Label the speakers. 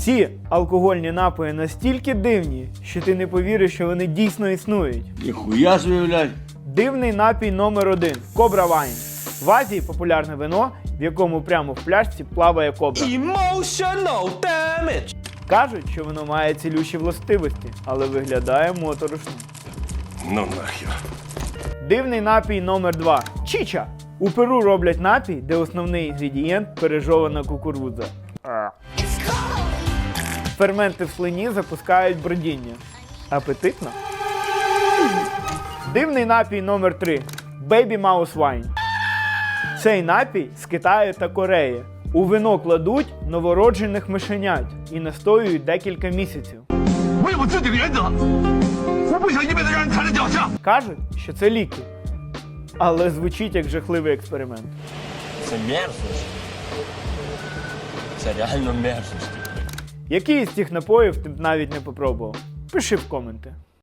Speaker 1: Ці алкогольні напої настільки дивні, що ти не повіриш, що вони дійсно існують.
Speaker 2: Ніхуя собі, блядь.
Speaker 1: Дивний напій номер 1 – Кобра Вайн. В Азії популярне вино, в якому прямо в пляшці плаває кобра.
Speaker 3: Emotional damage.
Speaker 1: Кажуть, що воно має цілющі властивості, але виглядає моторошно.
Speaker 3: Ну нахер.
Speaker 1: Дивний напій номер 2 – Чіча. У Перу роблять напій, де основний інгредієнт – пережована кукурудза. Ферменти в слині запускають бродіння. Апетитно? Дивний напій номер 3 – Baby Mouse Wine. Цей напій з Китаю та Кореї. У вино кладуть новороджених мишенят і настоюють декілька місяців. Кажуть, що це ліки. Але звучить як жахливий експеримент.
Speaker 3: Це мерзость. Це реально мерзость.
Speaker 1: Який із цих напоїв ти б навіть не попробував? Пиши в коменти.